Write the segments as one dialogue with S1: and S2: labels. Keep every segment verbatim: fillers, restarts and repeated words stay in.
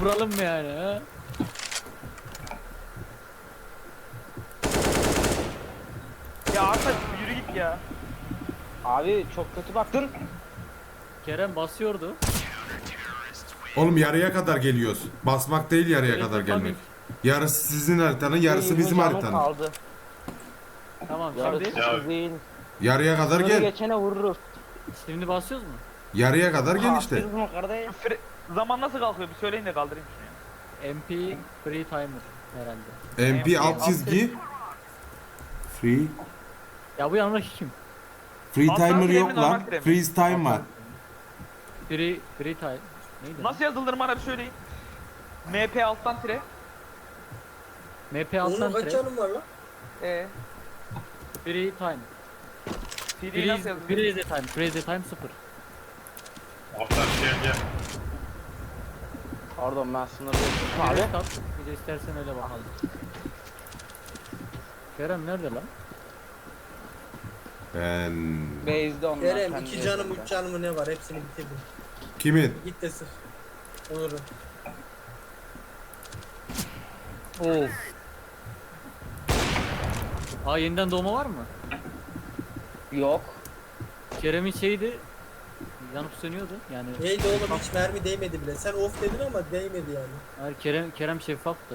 S1: Vuralım mı yani ha?
S2: Ya Arta yürü git ya.
S3: Abi çok kötü baktın.
S1: Kerem basıyordu.
S4: Oğlum yarıya kadar geliyoruz. Basmak değil yarıya
S1: Direkt
S4: kadar
S1: yapamayız.
S4: gelmek. Yarısı sizin haritanın, yarısı
S3: yirmi
S4: bizim
S3: canım
S4: haritanın.
S3: kaldı.
S1: Tamam
S3: Yarısı
S1: şimdi.
S5: Ya-
S3: sizin.
S4: Yarıya kadar
S3: Sınırı
S4: gel.
S3: geçene vururuz.
S1: Şimdi basıyoruz mu?
S4: Yarıya kadar gel işte.
S3: Biz bunu kardeş.
S2: Fre- zaman nasıl kalkıyor bir söyleyin de kaldırayım şunu ya.
S1: M P free timer herhalde.
S4: M P alt çizgi. Free.
S1: Ya bu yanındaki kim?
S4: Free
S2: Alttan
S4: timer
S2: tire
S4: yok
S2: mi, normal
S4: lan.
S2: tire mi?
S4: Freeze time var.
S1: Free free time. Neydi?
S2: Nasıl yazılır bana bir söyleyin. M P alttan tire.
S1: M P alttan
S6: Onun kaç
S1: tire.
S6: canım var lan?
S2: E.
S1: Free time.
S2: C D'yi
S1: Freeze,
S2: nasıl yazılır?
S1: freeze time. Freeze time sıfır.
S5: Altan gel gel.
S3: Pardon ben sınırı geçtim
S1: Abi.
S3: abi.
S1: Bir de istersen öyle bakalım. Kerem nerede lan?
S4: Ben...
S3: Base'de onlar.
S6: Kerem
S3: kendi
S6: iki canım
S3: base'inde.
S6: üç canım ne var hepsini bitirdim.
S4: Kimin?
S6: Git de sık. Onur'un.
S1: Of. Aa yeniden doğma var mı?
S3: Yok.
S1: Kerem'in şeydi. Yanıp sönüyordu yani.
S6: Neydi oğlum hiç mermi değmedi bile. Sen off dedin ama değmedi yani.
S1: Hayır Kerem Kerem şeffaftı.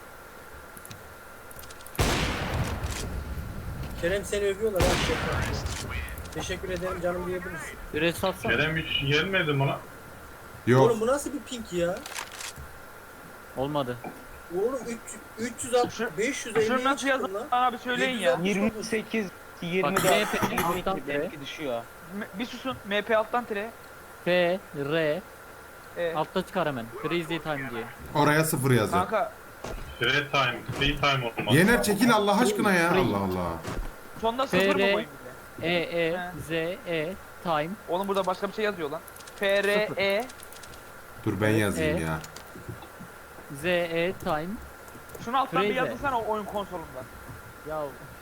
S6: Kerem seni övüyorlar ha şey. Teşekkür ederim canım diyebilirsin.
S1: Bir res atsana.
S5: Kerem hiç gelmedi mi lan?
S4: Yok.
S6: Oğlum bu nasıl bir pink ya?
S1: Olmadı.
S6: Oğlum üç yüz altmış beş yüz elli
S2: Şunu nasıl yazılır bana bir söyleyin ya.
S6: yirmi-
S3: yirmi sekiz,
S1: Bak,
S3: yirmi dört,
S1: M P
S3: yirmi
S1: alttan
S3: iki
S1: tire.
S3: benimki düşüyor.
S2: M- bir susun. M P alttan tire.
S1: F R
S2: E.
S1: altta çıkar hemen. Freeze time diye.
S4: Oraya sıfır yazı.
S2: Kanka
S5: Free time, free time olmaz.
S4: Yener çekil Allah aşkına ya.
S1: Free.
S4: Allah Allah.
S2: sonda sıfır mı
S1: F R
S2: koyayım bir de?
S1: E E
S2: He.
S1: Z E time
S2: Oğlum burada başka bir şey yazıyor lan. F R E.
S4: Dur ben yazayım
S1: Evet.
S4: ya.
S1: Z E time.
S2: Şunu alttan bir
S1: Freze.
S2: yazılsana o oyun konsolunda.
S1: Ya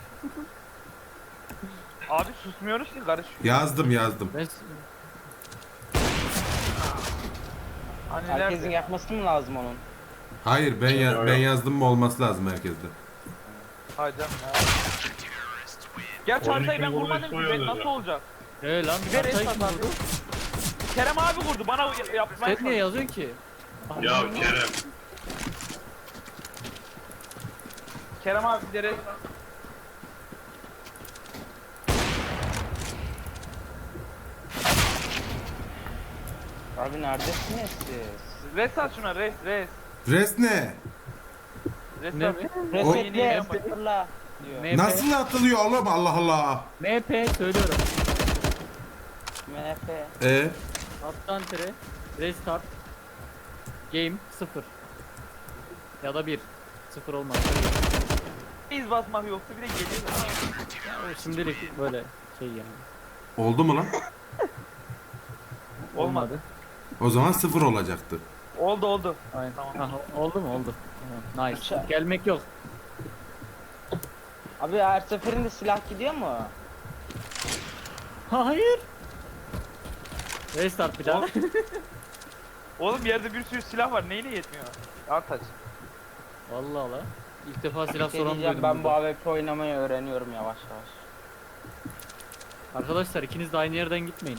S2: Abi susmuyoruz ki karış.
S4: Yazdım yazdım.
S1: ben
S2: Hani
S3: Herkesin
S2: nerede?
S3: yapması mı lazım onun?
S4: Hayır ben ya-
S5: Yok,
S4: ben
S5: yok.
S4: yazdım mı olması lazım herkeste.
S2: Hay canım ya. Gerçi
S5: On
S2: haritayı
S5: iki
S2: ben
S5: bulmuş
S2: kurmadım ki
S5: soyuyor
S2: ben nasıl
S5: dedi.
S2: olacak?
S1: Ee lan
S2: Ver
S1: haritayı
S2: esas
S1: kim
S2: abi.
S1: kurdu?
S2: Kerem abi kurdu bana y- yapmaya
S1: Sen niye yazıyorsun ki?
S5: Ya Kerem.
S2: Kerem abi bir de res-
S3: Abi neredesiniz siz?
S2: res at şuna res res.
S4: Res ne?
S2: Res
S1: Ne
S2: at.
S1: mi?
S3: Resetle,
S2: yeni-
S3: sıfırla diyor.
S1: M P
S4: Nasıl atılıyor oğlum Allah Allah.
S1: M P söylüyorum.
S3: M F.
S4: E
S1: Alttan tire restart game sıfır ya da bir sıfır olmaz.
S2: İz basmak yoktu bir de geliyor.
S1: Ya, şimdilik böyle şey yani.
S4: oldu mu lan?
S2: Olmadı.
S4: O zaman sıfır olacaktı.
S2: Oldu oldu.
S1: Aynen.
S2: Tamam.
S1: Aha, oldu mu? Oldu. Tamam, nice.
S3: Aşağı.
S1: Gelmek yok.
S3: Abi her seferinde silah gidiyor mu?
S1: Hayır. Restart bir daha.
S2: Oğlum, oğlum yerde bir sürü silah var neyine yetmiyor? Artaç.
S1: Vallahi la. İlk defa silah
S3: Şey
S1: soran
S3: diyeceğim,
S1: duydum
S3: ben bu
S1: burada.
S3: A W P oynamayı öğreniyorum yavaş yavaş.
S1: Arkadaşlar ikiniz de aynı yerden gitmeyin.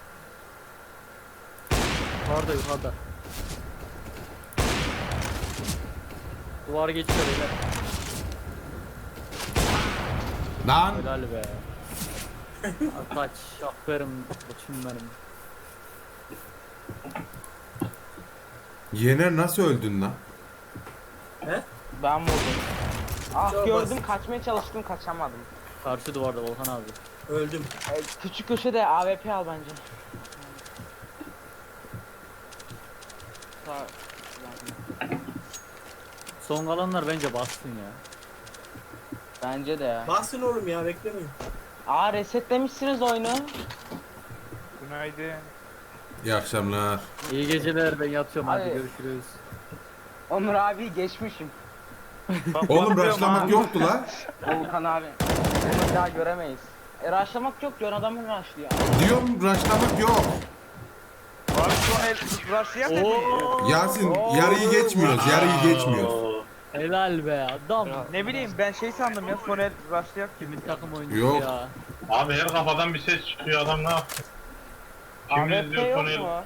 S1: Yukarıda yukarıda. Duvar geçiyor beyler.
S4: Lan
S1: Helal be. Kaç aferin koçum benim.
S4: Yener nasıl öldün lan?
S6: He?
S3: Ben vurdum. Ah
S6: Çok
S3: gördüm,
S6: basit.
S3: kaçmaya çalıştım, kaçamadım.
S1: Karşı duvarda Volkan abi.
S6: Öldüm.
S3: E, küçük köşede A W P al bence. Sağ-
S1: Son kalanlar bence bassın ya.
S3: Bence de ya.
S6: Bassın oğlum ya beklemeyin.
S3: Aa resetlemişsiniz oyunu.
S2: Günaydın.
S4: İyi akşamlar.
S1: İyi geceler, ben yatıyorum, hadi
S3: Abi.
S1: görüşürüz.
S3: Onur abi geçmişim.
S2: Bak,
S4: Oğlum
S2: bakıyorum
S4: raşlamak
S2: ha.
S4: yoktu la.
S3: Volkan abi. Onu bir daha göremeyiz. E rushlamak yok, John adamı rushlıyor.
S4: Diyorum raşlamak yok.
S2: Abi çok son el rush'layak mı?
S1: Oo.
S4: Yasin yarıyı geçmiyoruz. Yarıyı geçmiyoruz.
S5: Oo.
S1: Helal be adam.
S2: Ne bileyim ben şey sandım ya son el rush'layak
S1: Kimin
S2: gibi.
S1: takım oyuncusu
S4: Yok.
S1: ya.
S5: Abi her kafadan bir ses çıkıyor adam ne yapsın? Kim
S3: A W P
S5: izliyor
S3: yok
S5: son el?
S3: mu?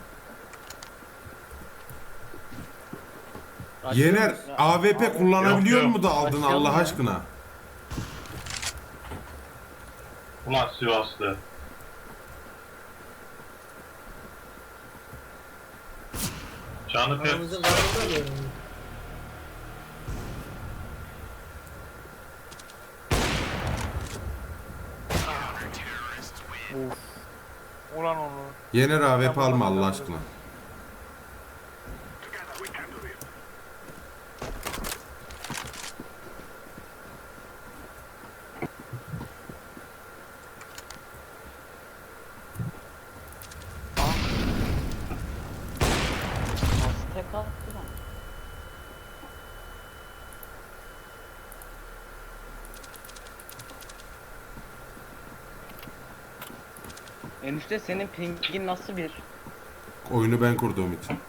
S4: Yener A W P kullanabiliyor
S5: Yok,
S4: mu da aldın
S1: Başlayalım
S4: Allah
S1: ya.
S4: aşkına?
S5: Ulan Sivaslı. Canı pek
S6: Aramızın karnında mı?
S2: Ulan onu.
S4: Yener A W P alma Allah aşkına.
S3: Nasıl tek attı lan? Enişte senin pingin nasıl bir?
S4: Oyunu ben kurduğum için.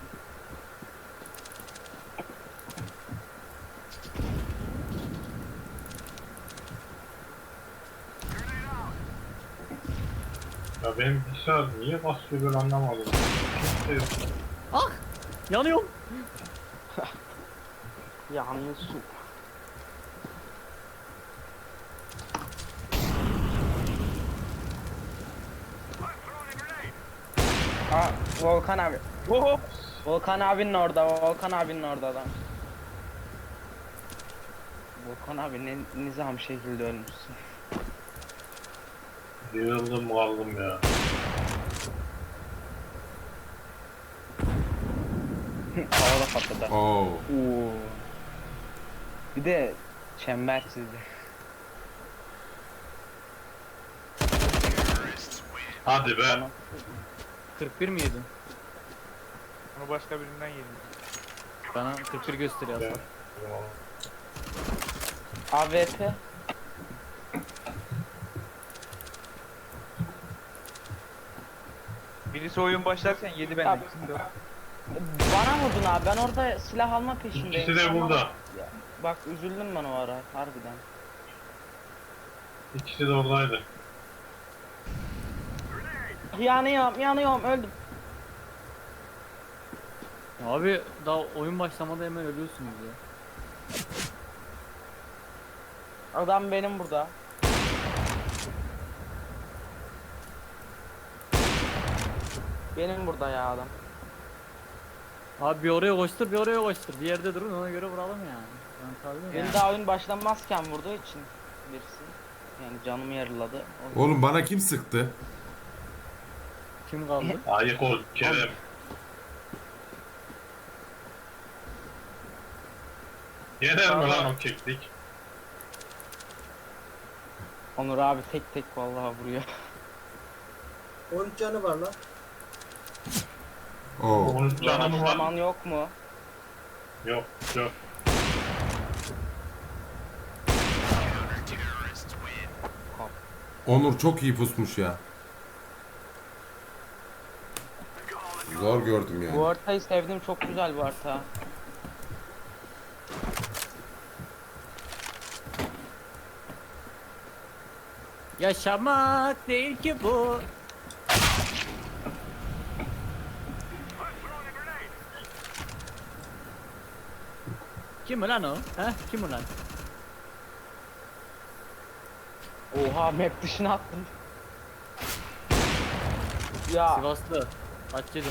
S5: ya benim bilgisayar niye basıyor böyle anlamadım. Kimse yok.
S1: Ah! Yanıyorum.
S3: Yalnız su. Aa, Volkan abi.
S2: Hop.
S3: Volkan abinin orada, Volkan abinin orada adam. Volkan abi ne nizam şekilde ölmüşsün.
S5: Yığıldım kaldım ya.
S3: Havada patladı.
S4: Oo.
S3: Oo. Bir de çember çizdi.
S5: Hadi be.
S1: kırk bir mi yedin?
S2: Onu başka birinden yedim.
S1: Bana kırk bir gösteriyor
S5: Ya.
S1: aslında.
S3: A W P.
S2: Birisi oyun başlarken yedi benden.
S3: Abi. Bana vurdun abi, ben orada silah alma peşindeyim.
S5: İkisi de burada.
S3: Ya, bak üzüldüm ben o ara harbiden.
S5: İkisi de oradaydı.
S3: Yanıyorum yanıyorum öldüm.
S1: Abi daha oyun başlamadan hemen ölüyorsunuz ya.
S3: Adam benim burada. Benim burada ya adam.
S1: Abi bir oraya koştur bir oraya koştur. Bir yerde durun ona göre vuralım yani. Ben tabii
S3: Beni
S1: ya.
S3: daha oyun başlamazken vurduğu için birisi. Yani canımı yarıladı. O-
S4: Oğlum bana kim sıktı?
S1: Kim kaldı?
S5: Ayık ol Kerem. Yener mi lan o keklik?
S3: Onur abi tek tek vallahi vuruyor.
S6: on üç canı var lan.
S4: Oo.
S5: Onun canı mı var?
S3: Zaman yok mu?
S5: Yok yok.
S4: Onur çok iyi pusmuş ya. Zor gördüm yani.
S3: Bu haritayı sevdim, çok güzel bu harita.
S1: Yaşamak değil ki bu. Kim ulan o? He? Kim ulan?
S3: Oha map dışına attım. Ya
S1: Sivaslı. Kaç yedin?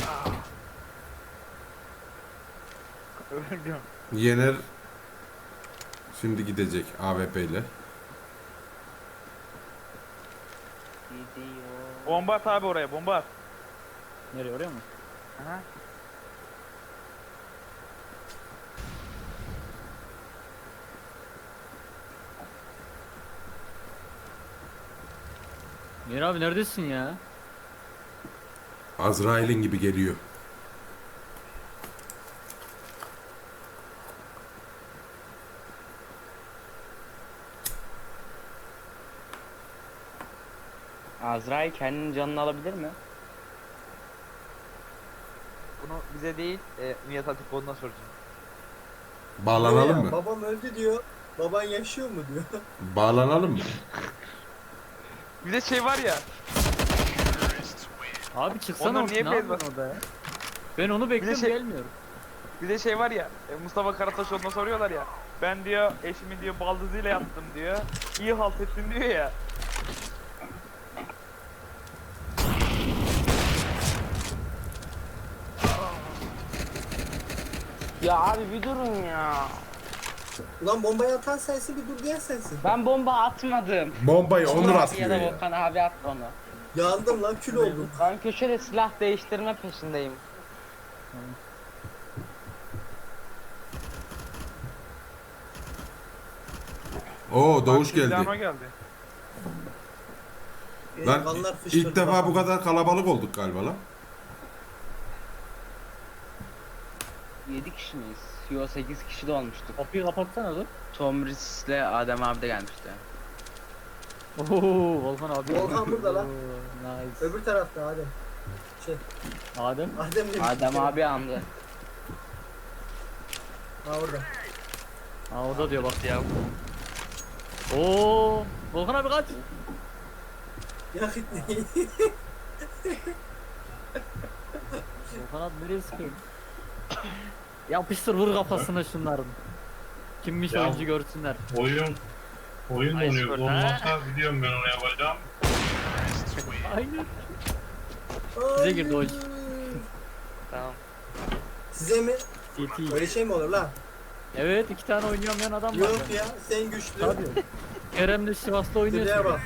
S2: Öldüm.
S4: Yener şimdi gidecek A W P ile.
S3: gidiyor.
S2: Bomba at abi oraya bomba at.
S1: Nereye oraya mı?
S2: Aha.
S1: Yer abi neredesin ya?
S4: Azrail'in gibi geliyor.
S3: Azrail kendinin canını alabilir mi?
S2: onu bize değil, e, Nihat Hatipoğlu'na soracağım.
S4: Bağlanalım
S6: Ya,
S4: mı?
S6: Babam öldü diyor. Baban yaşıyor mu diyor.
S4: Bağlanalım mı?
S2: Bir de şey var ya,
S1: Abi çıksana
S2: Onlar
S1: ortaya,
S2: niye
S1: ne
S2: bez
S1: yapıyorsun orada ya? Ben onu bekliyorum
S2: şey-
S1: gelmiyorum.
S2: bir de şey var ya, e, Mustafa Karataşoğlu'na soruyorlar ya. Ben diyor eşimi diyor baldızıyla yattım diyor. İyi halt ettin diyor ya.
S3: Ya abi bir durun ya.
S6: Ulan bombayı atan sensin, bir dur diyen sensin.
S3: Ben bomba atmadım.
S4: Bombayı Onur
S3: Abi
S4: atıyor
S3: ya da
S4: ya.
S3: Volkan abi attı onu.
S6: Yandım lan, kül oldum.
S3: Ben köşede silah değiştirme peşindeyim.
S4: Oo Doğuş
S2: Bak,
S4: geldi.
S2: silahıma geldi.
S6: Benim
S4: Lan
S6: kanlar fışkırdı
S4: ilk defa bu
S6: bak.
S4: kadar kalabalık olduk galiba lan.
S3: yedi kişi miyiz? Yo sekiz kişi de olmuştuk.
S1: Kapıyı kapatsana dur.
S3: Tom Ritz'le Adem abi de gelmişti.
S1: Oo Volkan abi.
S6: Volkan burada lan.
S1: Oo, nice.
S6: Öbür tarafta Adem. Şey,
S1: Adem.
S6: Adem demiş.
S3: Adem abi andı.
S6: Ha orada.
S1: Ha orada diyor bak ya. Oo Volkan abi kaç.
S6: Ya gitmeyin.
S1: Volkan abi nereye sıkıyorsun? Yapıştır vur kafasına şunların. Kimmiş
S5: Ya.
S1: oyuncu görsünler.
S5: Oyun oyun
S2: Ay,
S5: donuyor.
S2: spor,
S5: Olmazsa biliyorum ben onu yapacağım.
S1: Aynen. Bize girdi o iş.
S2: Tamam.
S6: Size mi?
S1: T T.
S6: Öyle şey mi olur lan?
S1: Evet iki tane oynayamayan adam var.
S6: Yok
S1: bende.
S6: ya, sen güçlü.
S1: Tabii. Kerem de Sivas'ta oynuyor.
S6: Dileğe bak.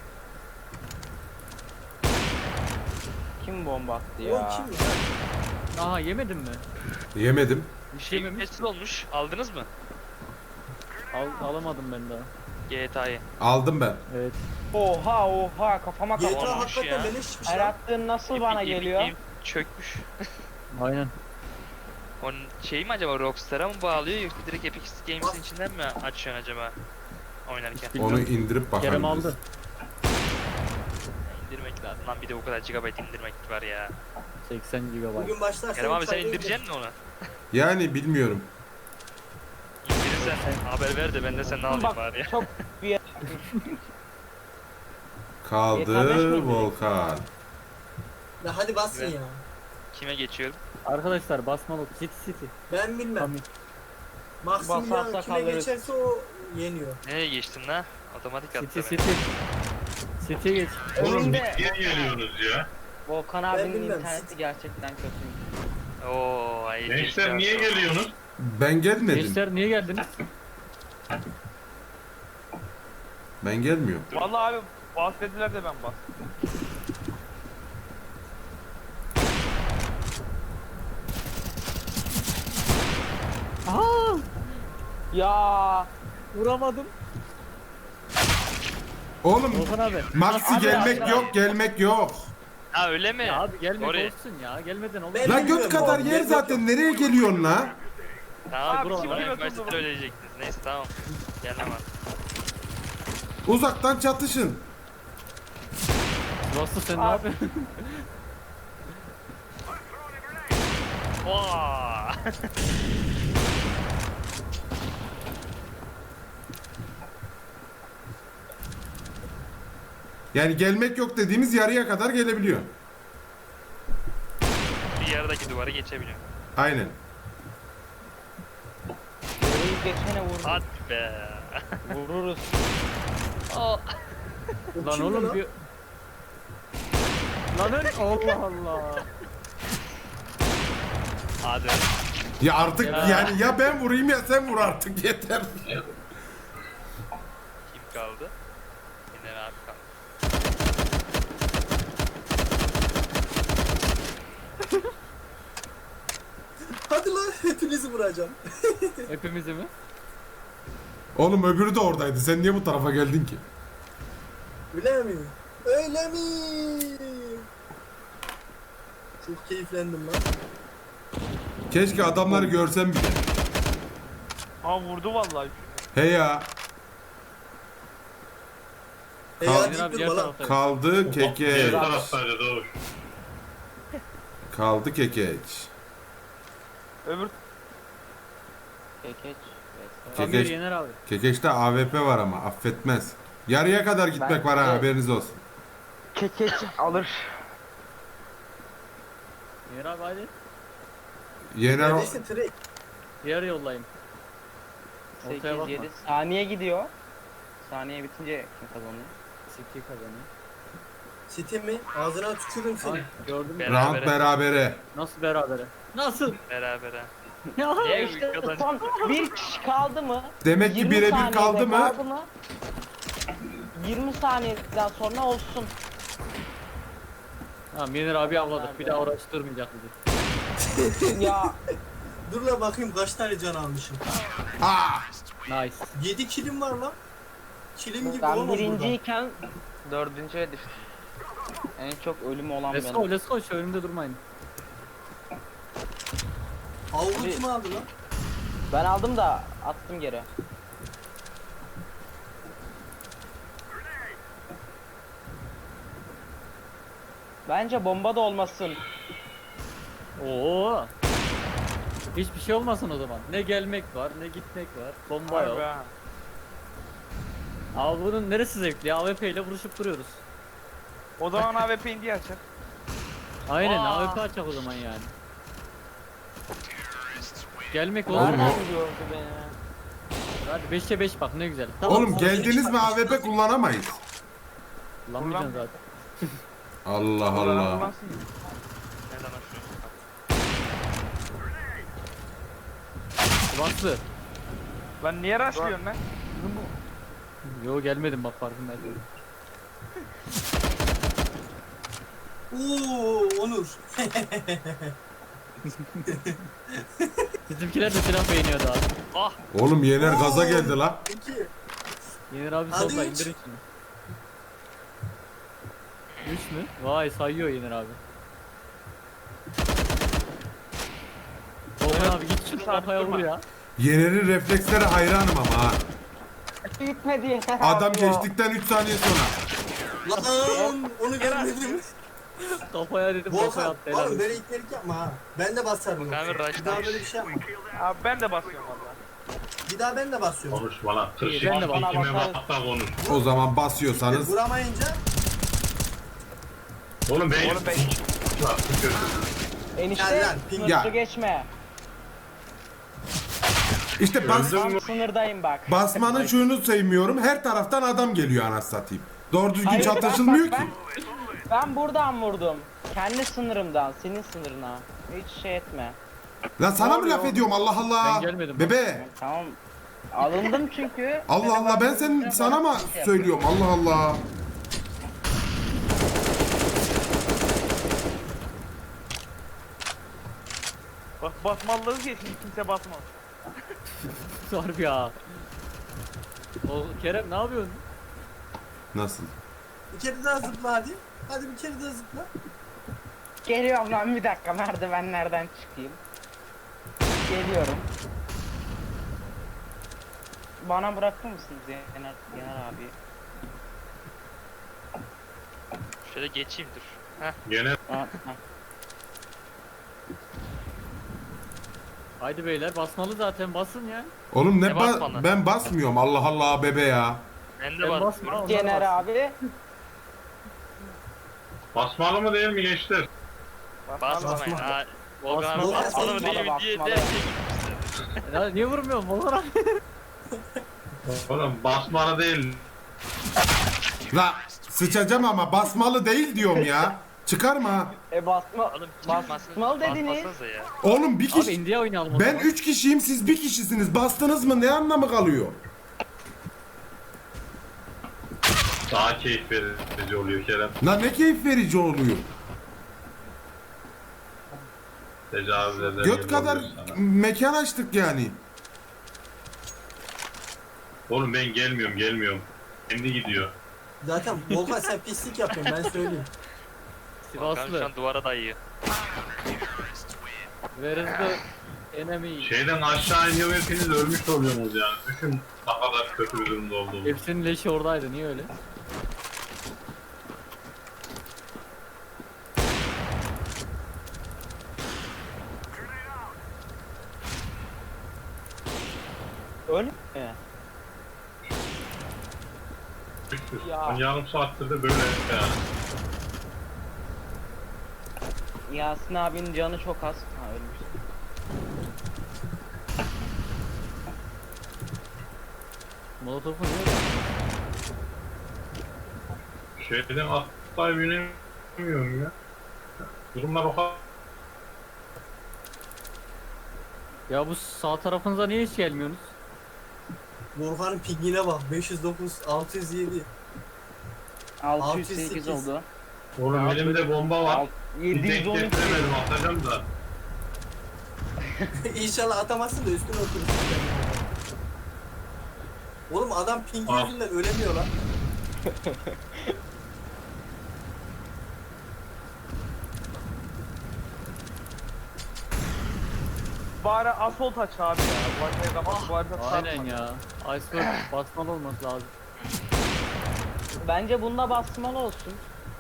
S3: Kim bomba attı
S6: Oğlum
S3: ya?
S6: kim ya?
S1: Aha yemedin mi?
S4: Yemedim.
S1: Bir şey
S7: Şey
S1: yememiş.
S7: meçhul olmuş. Aldınız mı?
S1: Al, alamadım ben daha.
S7: G T A'yı.
S4: Aldım ben.
S1: Evet.
S3: Oha oha kafama
S6: G T
S3: kafama.
S6: A
S7: olmuş
S6: hakikaten
S7: ya.
S6: beleşmiş
S3: Her
S6: lan.
S3: attığın nasıl bana
S7: Epic-
S3: geliyor?
S7: Epic Game çökmüş.
S1: Aynen.
S7: Onun şeyi mi acaba Rockstar'a mı bağlıyor yoksa direkt Epic Games'in
S6: Bas.
S7: içinden mi açıyorsun acaba oynarken?
S1: Bilmiyorum.
S4: Onu indirip bakalım.
S1: Kerem
S4: biz.
S1: aldı.
S7: İndirmek lazım. Lan bir de o kadar gigabyte indirmek var ya.
S1: seksen gigabayt.
S6: Bugün başlarsa
S7: Kerem abi
S6: üç
S7: sen
S6: ayda
S7: indireceksin mi onu?
S4: Yani bilmiyorum.
S7: İndirirsen haber ver de ben de senden alayım
S3: Bak
S7: bari ya.
S3: çok bir
S4: Kaldı
S3: Yeterleş miydi?
S4: Volkan.
S6: Ya hadi basın
S7: Evet.
S6: ya.
S7: Kime geçiyorum?
S1: Arkadaşlar basmalı. City City.
S6: Ben bilmem.
S1: Tamam.
S6: Maximilian
S3: Basarsa
S6: kime
S3: kalırız.
S6: geçerse o yeniyor.
S7: Nereye geçtin la? Otomatik
S1: City
S7: attı
S1: City.
S7: beni.
S1: City'ye geç.
S5: Oğlum
S3: Önünde
S5: niye geliyorsunuz ya?
S3: Volkan
S6: Ben
S3: abinin
S6: bilmem.
S3: interneti gerçekten kötü.
S7: Oo, hayır.
S5: Gençler niye geliyorsunuz?
S4: Ben gelmedim.
S1: Gençler niye geldiniz?
S4: Ben gelmiyorum.
S2: Vallahi abi bahsettiler de ben bas.
S1: Aa!
S3: Ya
S1: Vuramadım.
S4: Oğlum
S1: Volkan abi.
S4: Maxi
S1: Abi,
S4: gelmek
S1: abi.
S4: yok, gelmek yok.
S7: Ha öyle mi?
S1: Ya abi gelmek
S7: Oraya.
S1: olsun ya. Gelmeden olur.
S6: Ben-
S4: La
S6: bilmiyorum
S4: göt kadar
S6: abi,
S4: yer
S6: gelmek
S4: zaten nereye geliyorsun la?
S7: Tamam
S2: Abi,
S7: abi
S1: kim
S7: bana
S2: bilir
S7: üniversitede
S2: o zaman?
S7: öyleyecektiniz. Neyse tamam. Gelemem.
S4: Uzaktan çatışın.
S1: Rasta sen ne yapıyorsun?
S7: Vaa!
S4: Yani gelmek yok dediğimiz yarıya kadar gelebiliyor.
S7: Bir yerdeki duvarı geçebiliyorum.
S4: Aynen.
S3: orayı geçene vururuz.
S7: Hadi be.
S3: Vururuz.
S7: Oh.
S6: O
S1: Lan
S6: kim
S1: oğlum
S6: lan?
S1: bir... Lan öyle Allah Allah.
S7: Hadi.
S4: Ya artık
S1: Ya.
S4: yani ya ben vurayım ya sen vur artık yeter.
S7: Kim kaldı? Yine abi kaldı.
S6: Hadi lan hepinizi vuracağım.
S1: Hepimizi mi?
S4: Oğlum öbürü de oradaydı. Sen niye bu tarafa geldin ki?
S6: Öyle mi? Öyle mi? Çok keyiflendim lan.
S4: Keşke adamları görsem bile.
S2: Ha vurdu vallahi.
S4: He ya.
S6: E
S4: Kal-
S6: ya
S1: Senin abi
S6: deyip
S1: diğer
S6: durma lan.
S1: taraftayım.
S4: Kaldı
S5: Diğer
S4: kekeç.
S5: taraftaydı Doğuş.
S4: Kaldı kekeç.
S2: Öbür
S3: Kekeç.
S1: Tam
S4: Kekeç-
S1: bir Yener abi.
S4: Kekeç'te A W P var ama affetmez. Yarıya kadar gitmek
S3: Ben-
S4: var ha,
S3: Evet.
S4: haberiniz olsun.
S3: Kekeç alır.
S1: Yener abi hadi.
S4: Yener o-
S6: Neredeyse trade.
S1: Diğer yollayayım. Ortaya
S3: sekiz
S1: bakma.
S3: yedi saniye gidiyor. Saniye bitince kim kazanıyor?
S1: City kazanıyor.
S6: City mi? Ağzına tükürün
S1: Ay,
S6: seni.
S1: gördün mü?
S7: Beraber.
S4: round berabere.
S1: Nasıl berabere? Nasıl?
S7: Berabere.
S1: Ya
S7: Niye
S3: İşte
S7: kazan-
S3: son bir kişi kaldı mı?
S4: Demek ki
S3: yirmi
S4: birebir
S3: saniyede
S4: kaldı mı?
S3: kaldı mı? yirmi saniyeden sonra olsun.
S1: Tamam Yener abi avladık. Bir daha uğraştırmayacak bizi.
S3: Ya
S6: Dur la bakayım kaç tane can almışım.
S4: Ah!
S1: Nice.
S6: yedi kilim var lan. Kilim gibi
S3: ben
S6: olamaz burada.
S3: birinciyken dördüncüye düştüm. En çok ölüm olan
S1: Let's
S3: benim.
S1: go let's go. Şu önümde durmayın.
S6: Avlu kim aldı lan?
S3: Ben aldım da attım geri. Bence bomba da olmasın.
S1: Oo. Hiçbir şey olmasın o zaman. Ne gelmek var, ne gitmek var. Bomba yok.
S2: Harbi ha.
S1: Abi bunun neresi zevkli? A W P ile vuruşup duruyoruz.
S2: O zaman A W P indi açar.
S1: Aynen
S7: Aa.
S1: A W P açacak o zaman yani. Gelmek olur
S4: Oğlum
S1: mu?
S3: Nereden gördü beni?
S1: Hadi beşe beş bak ne güzel.
S4: Oğlum
S6: sana
S4: geldiniz
S6: hiç
S4: mi A W P kullanamayız.
S1: Kullanmayacaksın zaten.
S4: Allah
S2: Kullanan
S4: Allah.
S2: kullansın.
S7: Neden açıyorsun?
S1: Baslı.
S2: Lan niye rushlıyorsun lan?
S1: Yo gelmedim bak farkındayım.
S6: Oo Onur.
S1: Bizimkiler de silah beğeniyordu abi.
S7: Ah!
S4: Oğlum Yener gaza
S6: Oo.
S4: geldi la.
S6: İki.
S1: Yener abi
S6: Hadi
S1: solda
S6: üç.
S1: indirin şunu. üç mü? Vay sayıyor Yener abi. Volkan abi git şu
S2: Sabit
S1: kafaya vur
S2: durma.
S1: ya.
S4: Yener'in reflekslere hayranım ama ha.
S3: Gitmedi.
S4: Adam geçtikten üç saniye sonra.
S6: Lan onu görmedim.
S1: Kafaya dedim kafaya
S6: Volkan
S1: attı helal
S6: oğlum
S1: olsun.
S6: böyle itlerik yapma ha. Ben de basarım.
S7: Volkan
S6: yoksa.
S7: abi
S6: Bir daha
S7: rush'lamış.
S6: böyle bir şey yapma.
S2: Abi ben de basıyorum valla.
S6: Bir daha ben de basıyorum.
S5: Konuşma lan. kırk
S1: İyi, ben de
S5: sekiz
S3: bana
S5: kime
S3: bakarım.
S5: bak da konuş.
S4: O zaman basıyorsanız
S6: Vuramayınca
S5: Oğlum ben...
S2: Oğlum ben-
S5: Lan, kötü.
S3: Enişte
S6: Gel lan, ping-
S3: sınırı
S4: Ya.
S3: geçme.
S4: işte bas,
S5: Öldün
S3: Tam
S5: mü?
S3: sınırdayım bak.
S4: basmanın şunu sevmiyorum. Her taraftan adam geliyor anasını satayım. Doğru düzgün
S3: Hayır, bak,
S4: çatışılmıyor
S3: bak,
S4: ki.
S3: Ben, ben buradan vurdum. Kendi sınırımdan, senin sınırına. Hiç şey etme.
S4: Lan sana mı
S2: Doğru,
S4: laf
S2: doğru.
S4: ediyorum Allah Allah.
S1: Ben gelmedim.
S4: Bebe.
S3: Tamam. Alındım çünkü.
S4: Allah Allah ben sen sana mı söylüyorum Allah Allah.
S2: Bak basmalıları diye şimdi kimse basmaz.
S1: Harbi ya. O Kerem ne yapıyorsun?
S4: Nasıl?
S6: bir kere daha zıpla hadi. Hadi bir kere daha zıpla.
S3: Geliyorum lan bir dakika merdivenlerden çıkayım. Geliyorum. Bana bırakır mısınız Yener, Yener abi?
S7: Şöyle geçeyim dur. Heh.
S5: Gene
S3: Ha, ha.
S1: Haydi beyler basmalı zaten basın ya.
S4: Oğlum ne
S7: Ne
S4: ba-
S7: basmanı?
S4: ben basmıyorum Allah Allah bebe ya.
S7: Ben de
S1: Ben
S7: var.
S1: basma. onlar
S3: Yener
S1: bassın.
S3: abi.
S5: basmalı mı değil mi gençler?
S7: Basmayın.
S6: Basma.
S7: Ha. Volkan abi
S1: Basma.
S7: basmalı mı değil mi diye
S3: Basmalı.
S7: derken
S1: Ya niye vurmuyorsun Volkan abi?
S5: Oğlum basmalı değil.
S4: La sıçacağım ama basmalı değil diyorum ya. Çıkarma.
S3: E basma.
S7: Oğlum
S3: Basmalı
S7: çıkmasın.
S3: dediniz.
S7: Basmasanıza ya.
S4: Oğlum bir
S1: Abi
S4: kişi.
S1: India oynayalım o
S4: Ben
S1: zaman.
S4: üç kişiyim siz bir kişisiniz. Bastınız mı ne anlamı kalıyor?
S5: Daha keyif verici oluyor Kerem.
S4: Lan ne keyif verici oluyor.
S5: Tecavüz eder.
S4: Göt
S5: gibi
S4: kadar
S5: oluyor sana.
S4: mekan açtık yani.
S5: Oğlum ben gelmiyorum gelmiyorum. Kendi gidiyor.
S6: Zaten Volkan sen pislik yapıyorsun ben söyleyeyim.
S7: Volkan şu
S1: Sivaslı.
S7: an duvara dayıyor.
S1: Where is the enemy?
S5: Şeyden aşağı iniyor hepiniz ölmüş oluyorsunuz yani. Düşün ne kadar kötü bir durumda olduğunu.
S1: Hepsinin leşi oradaydı niye öyle?
S3: Öyle mi? Ya.
S5: Hani yarım saattir de böyle yani.
S3: Yasin abinin canı çok az. Ha ölmüş.
S1: Molotof'u niye ya?
S5: Şeyden atlayıp binemiyorum ya. Durumlar o kadar.
S1: Ya bu sağ tarafınıza niye hiç gelmiyorsunuz?
S6: Volkan'ın pingine bak. beş yüz dokuz, altı yüz yedi.
S3: altı yüz sekiz oldu.
S5: Oğlum
S1: Ya,
S5: elimde bomba var.
S3: Alt-
S5: Bir
S3: yedi yüz
S5: denk
S3: on iki.
S5: getiremedim, atacağım da.
S6: İnşallah atamazsın da üstüne oturursun. Oğlum adam ping
S5: Al.
S6: yüzünden ölemiyor lan.
S2: Bari asfalt aç abi ya. Bu haritayı kapat, bu harita
S1: Aynen
S2: sarma.
S1: ya. Iceberg basmalı olması lazım.
S3: Bence bunda basmalı olsun.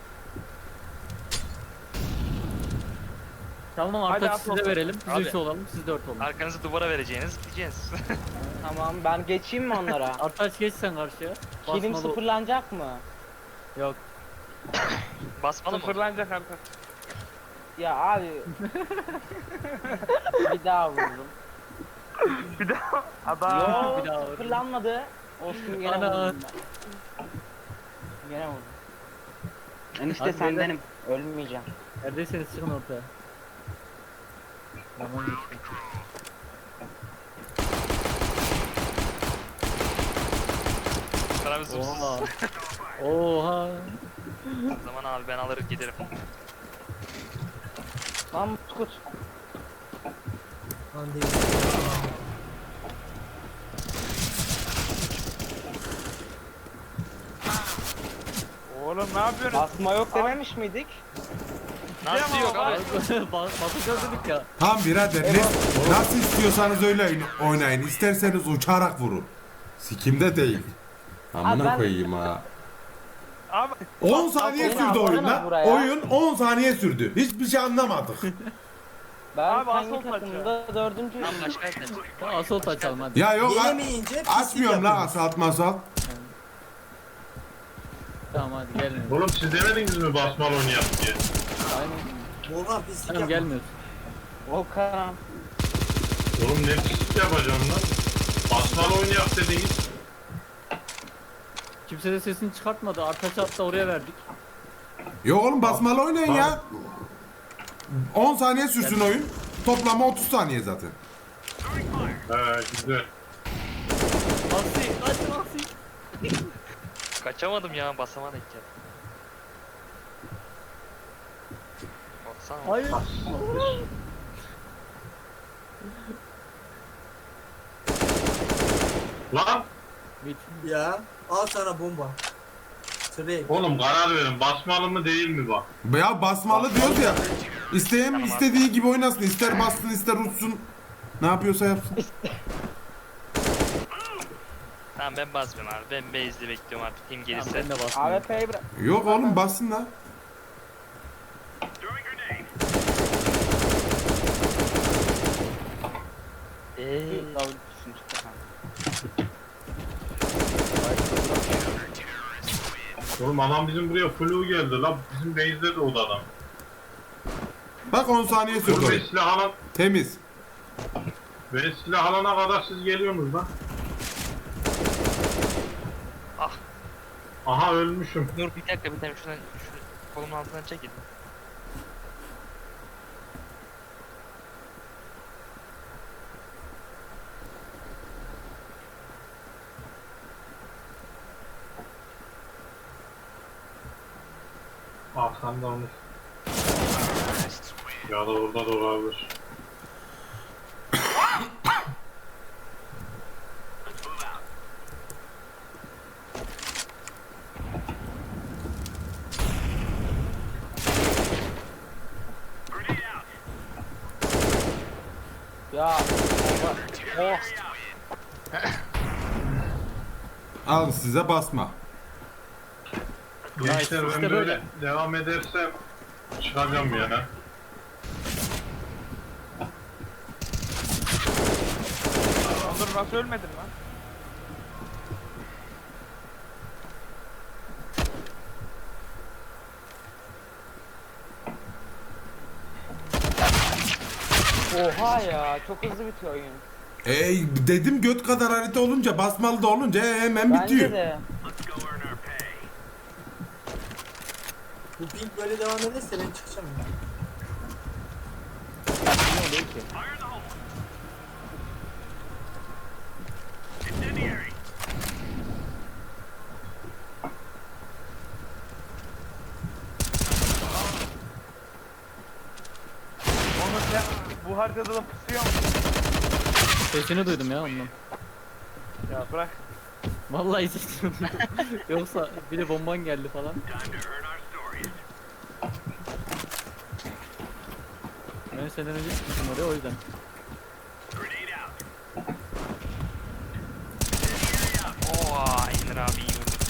S1: Tamam
S2: Hadi
S1: Artaç'ı
S2: at
S1: size
S2: bakalım.
S1: verelim. Biz
S7: Abi.
S1: üç olalım, siz dört olun.
S7: Arkanızı duvara vereceğiniz gideceğiz.
S3: Tamam ben geçeyim mi onlara?
S1: Artaç geç sen karşıya.
S3: Kilim
S1: Basmalı-
S3: sıfırlanacak mı?
S1: Yok.
S7: Basmalı mı?
S2: Sıfırlanacak artık.
S3: Ya abi. Bir daha vururum.
S2: Bir daha adam.
S3: Yo
S1: bir daha vurayım.
S3: sıfırlanmadı. Olsun gene
S1: Ana.
S3: vurdum ben. Gene vurdum. Enişte
S1: Hadi
S3: sendenim. Ölmeyeceğim.
S1: Neredeyseniz çıkın ortaya. Zaman geçti.
S7: Paramız
S1: Oha.
S7: zıpsız.
S1: Oha.
S7: O zaman abi ben alır giderim.
S3: Lan Kut.
S6: Lan değil.
S2: Oğlum ne yapıyorsun?
S3: Basma yok dememiş miydik?
S7: Nasıl yok abi?
S1: Basacağız dedik ya.
S4: Tamam birader ne, nasıl istiyorsanız öyle oyn- oynayın. İsterseniz uçarak vurun. Sikimde değil.
S3: Abi
S4: Amına
S3: ben-
S4: koyayım ha.
S2: Abi
S4: on saniye
S3: Bak,
S4: sürdü
S3: bak,
S4: oyun
S3: bak
S4: lan.
S3: buraya.
S4: Oyun on saniye sürdü. Hiçbir şey anlamadık.
S3: Ben
S2: Abi
S3: hangi
S2: asıl
S3: takımda dördüncüyüm.
S7: Lan başka yerden.
S1: Tamam assault açalım hadi.
S4: Ya yok a-
S6: Yenemeyince pislik
S4: açmıyorum lan
S6: yapıyoruz.
S4: asalt masal.
S1: Tamam hadi gelin.
S5: Oğlum siz demediniz mi basmalı onu yap diye?
S1: Aynen.
S6: Volkan pislik
S1: Tamam
S6: yapma.
S1: gelmiyoruz.
S3: Volkan.
S5: Oğlum ne pislik yapacağım lan? Basmalı oyunu yap dediniz.
S1: Kimse de sesini çıkartmadı. Artaç'ı hatta oraya verdik.
S4: Yok oğlum basmalı oynayın ya. on saniye sürsün oyun. Toplama otuz saniye zaten.
S5: He güzel.
S1: Asi, kaç Asi.
S7: Kaçamadım ya basamadık ya. Baksana.
S1: Hayır.
S5: Lan
S1: Bit.
S6: Ya al sana bomba. Sırayım.
S5: oğlum karar verin, basmalı mı değil mi bak?
S4: Ya basmalı diyoruz ya. İsteyen istediği gibi oynasın. İster bassın ister uçsun. Ne yapıyorsa yapsın.
S7: Tamam ben basmıyorum abi. Ben base'de bekliyorum artık kim
S1: Tamam
S7: gelirse.
S1: ben de bastım.
S3: A W P'yi bırak.
S4: Yok oğlum bassın da.
S7: Eee.
S3: Davul düşsün çıktı. Ha.
S5: Oğlum adam bizim buraya flu geldi lan. Bizim base'de de o da adam.
S4: Bak on saniye sürdü
S5: Oğlum ben
S4: oyun.
S5: silah alan,
S4: Temiz.
S5: ben silah alana kadar siz geliyorsunuz lan.
S7: Ah.
S5: Aha ölmüşüm.
S7: Dur bir dakika bir dakika şuradan şu kolumun altından çekil.
S5: Arkanda olmuş. Ya da orada da olabilir.
S3: Ya. Oh.
S4: Alın size basma.
S5: Gençler
S1: işte
S5: ben
S1: böyle.
S5: böyle devam edersem çıkacağım ya.
S2: dur nasıl ölmedin lan?
S3: Oha ya çok hızlı bitiyor oyun.
S4: Ey dedim göt kadar harita olunca basmalı da olunca e, hemen
S3: Bence
S4: bitiyor.
S3: de.
S6: Bu ping böyle devam ederse ben çıkacağım ya.
S3: Ne oluyor ki?
S2: Onu sen bu haritada da pusuyor musun?
S1: Sesini duydum ya ondan.
S2: Ya bırak.
S1: Vallahi sesini duydum. Yoksa bir de bomban geldi falan. Ben senden önce çıkmışım oraya o yüzden.
S7: Oha Emir abi iyi vurdu.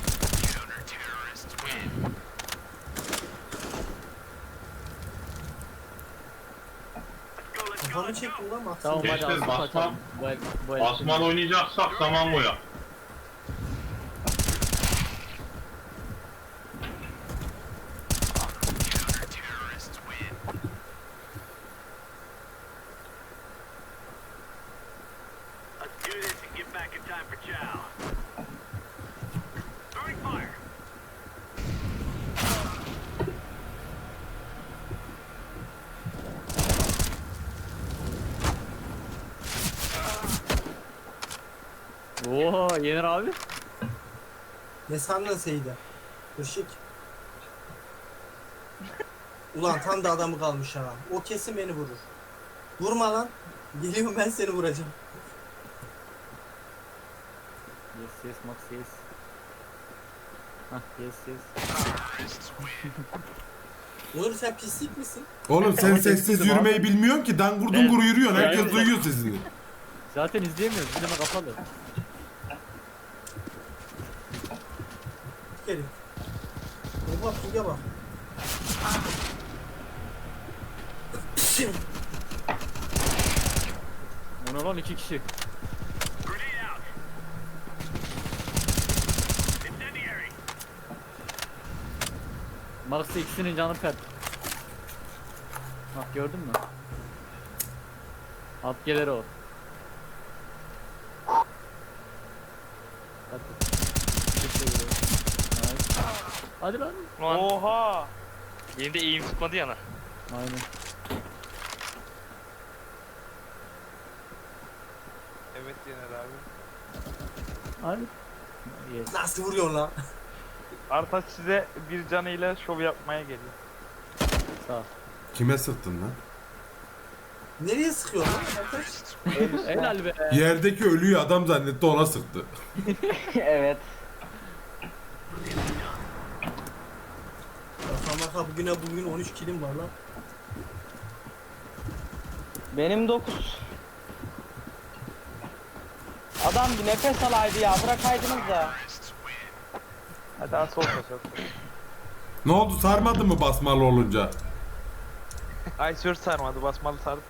S6: Kafamı çektim lan Mahsun.
S1: Tamam hadi
S5: Gençler,
S1: asıl
S5: basma-
S1: kaçalım. Bu el, bu el.
S5: Basmalı oynayacaksak zaman bu ya.
S1: Oo Yener abi.
S6: Ne sandın Seyide? Irşik. Ulan tam da adamı kalmış ha. O kesin beni vurur. Vurma lan. Geliyorum ben seni vuracağım.
S1: Yes yes Max yes. Hah yes yes.
S6: Onur sen pislik misin?
S4: Oğlum sen sessiz yürümeyi bilmiyorsun ki dangur dungur yürüyorsun. Herkes
S1: Evet.
S4: duyuyor sesini.
S1: Zaten izleyemiyoruz. Izleme kapalı.
S6: Gelin. Oha pinge bak.
S1: Ona lan iki kişi. Max'ta ikisinin canı pert. Bak gördün mü? At gelir o. Hadi. Teşekkür ederim. Nice. Hadi lan.
S7: Ulan
S2: Oha.
S7: benim de eğim tutmadı yana.
S1: Aynen.
S2: Evet Yener abi.
S1: Hadi. Yes.
S6: Nasıl vuruyorsun lan?
S2: Artaç size bir canıyla şov yapmaya geliyor.
S1: Sağ ol.
S4: Kime sıktın lan?
S6: Nereye sıkıyorsun lan? Arkadaş?
S1: Helal be.
S4: Yerdeki ölüyü adam zannetti ona sıktı.
S3: Evet.
S6: Baka baka bugüne bugün on üç kilim var lan.
S3: Benim dokuz. Adam bir nefes alaydı ya bırakaydınız da.
S2: Hadi daha sol sol sol.
S4: Ne oldu sarmadı mı basmalı olunca?
S2: Ay sür sarmadı basmalı sardı.